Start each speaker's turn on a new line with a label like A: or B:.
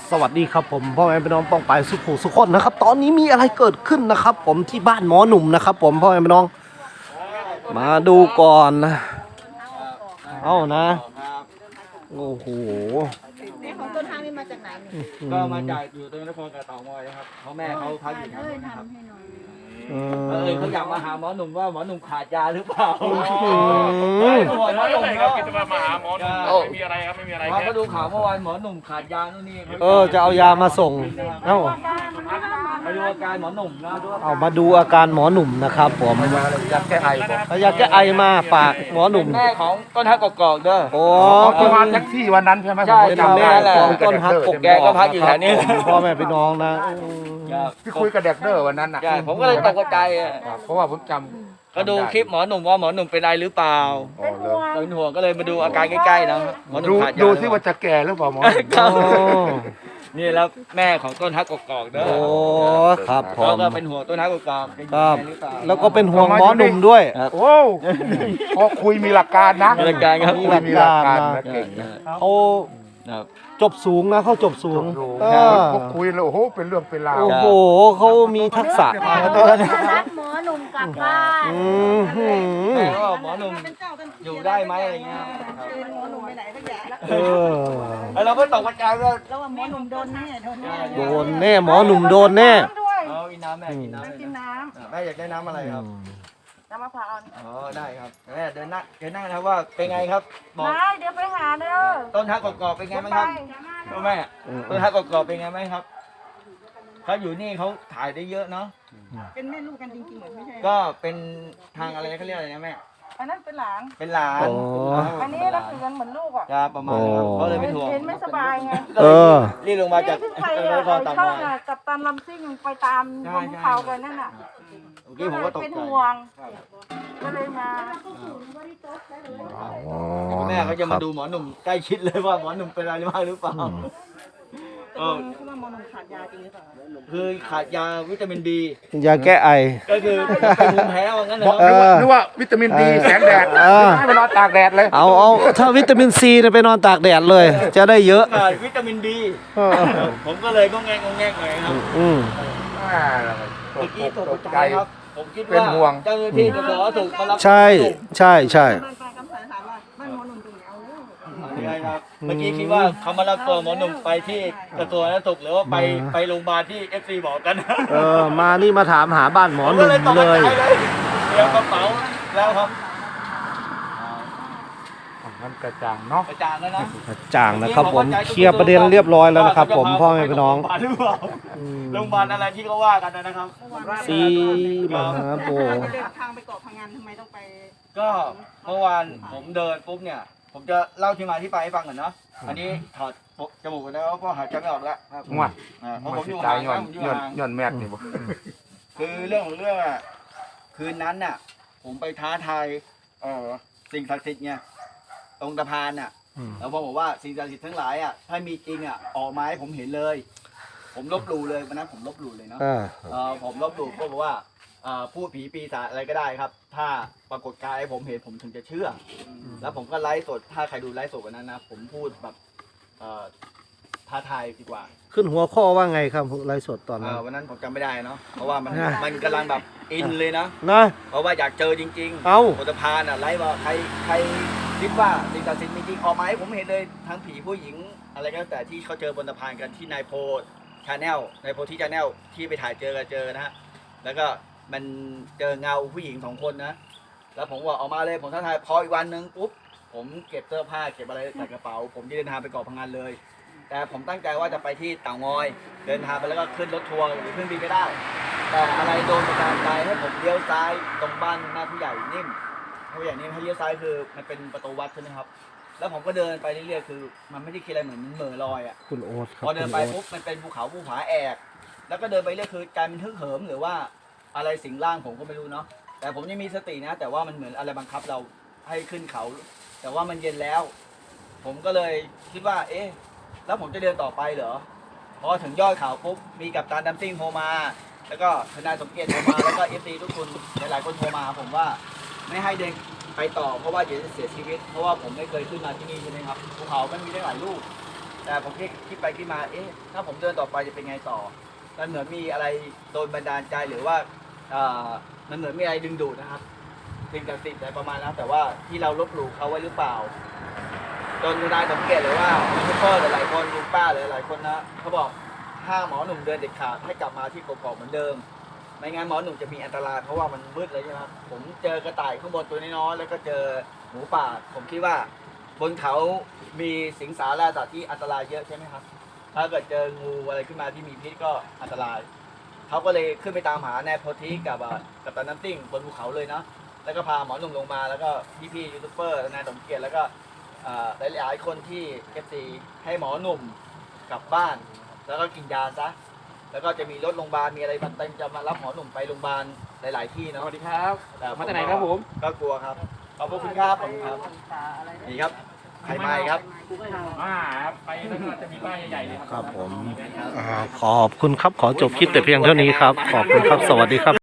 A: สวัสดีครับผมพ่อแม่พี่น้องป้องไปสุขุสุขคนนะครับตอนนี้มีอะไรเกิดขึ้นนะครับผมที่บ้านหมอหนุ่มนะครับผมพ่อแม่พี่น้องมาดูก่อนนะเอานะโอ้โห
B: ของต้นทางนี่มาจากไหนเนี่ย
C: ก็มาจากอยู่ตรงนครกับเต่างอยนะครับเพราะแม่เขาพักอยู่แถวนี้นะครับเขาอยากมาหาหมอหนุ่มว่าหมอหนุ่มขาดยาหรือเปล่าหมอหนุ่มก็
D: คิดว่ามาหาหมอหนุ่มไม่มีอะไรครับไม่มีอะไรแค่
C: ก็ดูข่าวเมื่อวานหมอหนุ่มขาดยานู่นนี่
A: จะเอายามาส่ง
C: ไปดูอาการหมอหนุ่มนะ
A: เอามาดูอาการหมอหนุ่มนะครับผม
C: อยากแก้ไอ
A: อยากแก้ไอมาฝากหมอหนุ่ม
C: แม่ของต้นฮักกอกเด้อ
A: โอ้
D: ประมาณแท็กซี่วันนั้นใช่ไหม
C: ใช่แม่ของต้นฮักกแกก็พักอยู่แถวนี้
A: พ่อแม่พี่น้องนะ
D: ที่คุยกับเด็กเด้อวันนั้นนะ
C: ผมก็เลยตกใจ
D: เพราะว่าผมจำ
C: ก็ดูคลิปหมอหนุ่มว่าหมอหนุ่มเป็นไรหรือเปล่าเป็นห่วงก็เลยมาดูอาการใกล้ๆนะหมอหนุ่มขาดยา
D: ดูที่ว่าจะแก่หรือเปล่าหมอ
C: นี่แล้วแม่ของต้นฮักกอกเด้อ
A: โอ้ครับผม
C: ก็เป็นห่วงต้นฮักกอก
A: ครับแล้วก็เป็นห่วงหมอหนุ่มด้วย
D: โอ้พอคุยมีหลักการนะ
C: มีหลักการครับ
A: มีหลักการนะ
D: เก่งนะ
A: เขาจบสูงนะเขาจบสูง
D: พอคุยแล้วโอ้โหเป็นเรื่องเป็นราว
A: โอ้โหเขามีทักษะ
B: รับหมอหนุ่มกลับบ้าน
C: หมอหนุ่มอยู่ได้ไหมอะไรเงี้ย
B: หมอหนุ่มไปไหนสักอย่าง
C: แล้วเราก็ตกใจว่า
B: แล้วว่าหมอหนุ่มโดนแน่
A: โดนแน่หมอหนุ่มโดนแน่
C: เอากินน้ำแม่กินน้ำ
B: กินน้ำ
C: แม่อยากได้น้ำอะไรครับ
B: น้ำมะพร้าว
C: ได้ครับแม่เดินนั่งนะครับว่าเป็นไงครับ
B: บอกเดี๋ยวไปหาเด้อ
C: ต้นฮักกอกเป็นไงบ้างครับแม่ต้นฮักกอกเป็นไงไหมครับเขาอยู่นี่เขาถ่ายได้เยอะเนาะ
B: เป็นแม่ลูกกันจริงๆเหมือนไม่ใช่
C: ก็เป็นทางอะไรเขาเรียกอะไรนะแม่
B: อันนั้นเป็นหลานอันนี้รักเหมือนลูกอ่ะ
C: จะประมาณเขาเลยไม่ถ่วง
B: เห็นไม่สบายไง
C: รีบลงมาจาก
B: ช่องกับตันลำซิ่งไปตามบนเขากันนั่นน่ะเป็นห่วงก็เลยมา
C: แม่เขาจะมาดูหมอหนุ่มใกล้ชิดเลยว่าหมอหนุ่มเป็นอะไรบ้างหรือเปล่า
B: คือว่าหมอหนุ่มขาดยาจริงหรือเปล่า
C: คือขาดยาวิตามินดี
A: ยาแก้ไอ
C: ก็คือเป็นภูมิแพ้ว่างั้นเหรอ
D: นึกว่าวิตามินดีแสงแดดให้ไปนอนตากแดดเลย
A: เอาถ้าวิตามินซีไปนอนตากแดดเลยจะได้เยอะ
C: วิตามินดีผมก็เลยก็แงงหน่อยครับเมื่อกี้ตกใจครับผมคิดว่าเจ้าหน้าที่จะขอถูกมารับ
A: ใช่
C: เมื่อกี้คิดว่าเขามารับตัวหมอหนุ่มไปที่กระทรวงสาธารณสุขหรือว่าไปโรงพยาบาลที่ FC บอกกัน
A: มานี่มาถามหาบ้านหมอหนุ่มเลย
C: เดี๋ยวกระเป๋าแล้วครับ
D: มันกระจ่างเนาะ
C: กระจ่างแล้วนะ
A: กระจ่างนะครับผมเคลียร์ประเด็นเรียบร้อยแล้วนะครับผมพ่อแม่พี่น้อง
C: โรงพยาบาลอะไรที่เขาว่ากันนะครับ
A: ซีมหาโบ
B: ทางไปเกาะพังงานทำไมต้องไป
C: ก็เมื่อวานผมเดินปุ๊บเนี่ยผมจะเล่าที่มาที่ไปให้ฟังก่อนเนาะอันนี้ถอดจมูกกันแล้วเพราะหายใจไม่ออกแล้ว
D: งวด
C: เพราะผมอยู่ห่าง
D: ย้อนแมทนี่บ่
C: คือเรื่องของเรื่องอ่ะคืนนั้นน่ะผมไปท้าทายสิ่งศักดิ์สิทธิ์ไงตรงสะพานน่ะแล้วบอกว่าสิ่งศักดิ์สิทธิ์ทั้งหลายอ่ะถ้ามีจริงอ่ะออกมาให้ผมเห็นเลยผมลบหลู่เลยวันนั้นผมลบหลู่เลยเนาะผมลบหลู่ก็บอกว่าพูดผีปีศาจอะไรก็ได้ครับถ้าปรากฏกายให้ผมเห็นผมถึงจะเชื่อแล้วผมก็ไลฟ์สดถ้าใครดูไลฟ์สดวันนั้นนะผมพูดแบบท้าทายดีกว่า
A: ขึ้นหัวข้อว่าไงครับไลฟ์สดตอนนั้น
C: วันนั้นผมจำไม่ได้เนาะเพราะว่ามันกำลังแบบอินเลยนะเพราะว่าอยากเจอจริงๆบนสะพานไลฟ์ว่าใครคิดว่าสิ่งศักดิ์สิทธิ์มีจริงออกมาให้ผมเห็นเลยทั้งผีผู้หญิงอะไรก็แต่ที่เขาเจอบนสะพานกันที่นายโพชาแนลนายโพที่ชาแนลที่ไปถ่ายเจอนะฮะแล้วก็มันเจอเงาผู้หญิง2 คนนะแล้วผมว่าออกมาเลยผมท้าทายพออีกวันนึงปุ๊บผมเก็บเสื้อผ้าเก็บอะไรใส่กระเป๋าผมจะเดินทางไปเกาะพังงานเลยแต่ผมตั้งใจว่าจะไปที่เต่างอยเดินทางไปแล้วก็ขึ้นรถทัวร์หรือเครื่องบินก็ได้แต่อะไรโดนประการใจให้ผมเลี้ยวซ้ายตรงบ้านหน้าผู้ใหญ่นิ่มผู้ใหญ่นิ่มให้เลี้ยวซ้ายคือมันเป็นประตูวัดใช่ไหมครับแล้วผมก็เดินไปเรื่อยๆคือมันไม่ได้คิดอะไรเหมือนเหม่อลอยอ่ะ
A: คุณโอ๊ต
C: พอเดินไปปุ๊บมันเป็นภูเขาภูผาแอกแล้วก็เดินไปเรื่อยคือการมันฮึกเหิมหรือว่าอะไรสิงร่างผมก็ไม่รู้เนาะแต่ผมยังมีสตินะแต่ว่ามันเหมือนอะไรบังคับเราให้ขึ้นเขาแต่ว่ามันเย็นแล้วผมก็เลยคิดว่าแล้วผมจะเดินต่อไปเหรอพอถึงยอดเขาปุ๊บมีกัปตันดัมซิ่งโทรมาแล้วก็ทนายสมเกียรติโทรมาแล้วก็FCทุกคนหลายๆคนโทรมาผมว่าไม่ให้เดินไปต่อเพราะว่าเดี๋ยวจะเสียชีวิตเพราะว่าผมไม่เคยขึ้นมาที่นี่ใช่ไหมครับภูเขามันมีได้หลายลูกแต่ผมคิดไปคิดมาถ้าผมเดินต่อไปจะเป็นไงต่อมันเหมือนมีอะไรโดนบันดาลใจหรือว่ามันเหมือนมีอะไรดึงดูดนะครับสิ่งศักดิ์สิทธิ์อะไรประมาณนั้นแต่ว่าที่เราลบหลู่เขาไว้หรือเปล่าจนนายสังเกตเลยว่ายูทูบเบอร์หลายคนลุงป้าหลายคนนะเขาบอกห้ามหมอหนุ่มเดินเด็ดขาดให้กลับมาที่กอกๆเหมือนเดิมไม่งั้นหมอหนุ่มจะมีอันตรายเพราะว่ามันมืดเลยใช่ไหมครับผมเจอกระต่ายข้างบนตัวน้อยๆแล้วก็เจอหมูป่าผมคิดว่าบนเขามีสิงสาราสัตว์ที่อันตรายเยอะใช่ไหมครับถ้าเกิดเจองูอะไรขึ้นมาที่มีพิษก็อันตรายเขาก็เลยขึ้นไปตามหาแนโพธิกับตาน้ำติ้งบนภูเขาเลยนะแล้วก็พาหมอหนุ่มลงมาแล้วก็พี่ๆยูทูบเบอร์นายสมเกียรติแล้วก็หลายๆคนที่เอฟซีให้หมอหนุ่มกลับบ้านแล้วก็กินยาซะแล้วก็จะมีรถโรงพยาบาลมีอะไรมันเต็มจะมารับหมอหนุ่มไปโรงพยาบาลหลายๆที่เนาะ
D: สวัสดีครับ
C: แต่
D: มาจากไหนครับผม
C: ก็กลัวครับขอบคุณครับขอบคุณครับนี่ครับไข่ไม้ครับ
D: ครับไปแล้วก็จะมีป้ายใหญ่ๆเลย
A: ครับผมขอบคุณครับขอจบคลิปแต่เพียงเท่านี้ครับขอบคุณครับสวัสดีครับ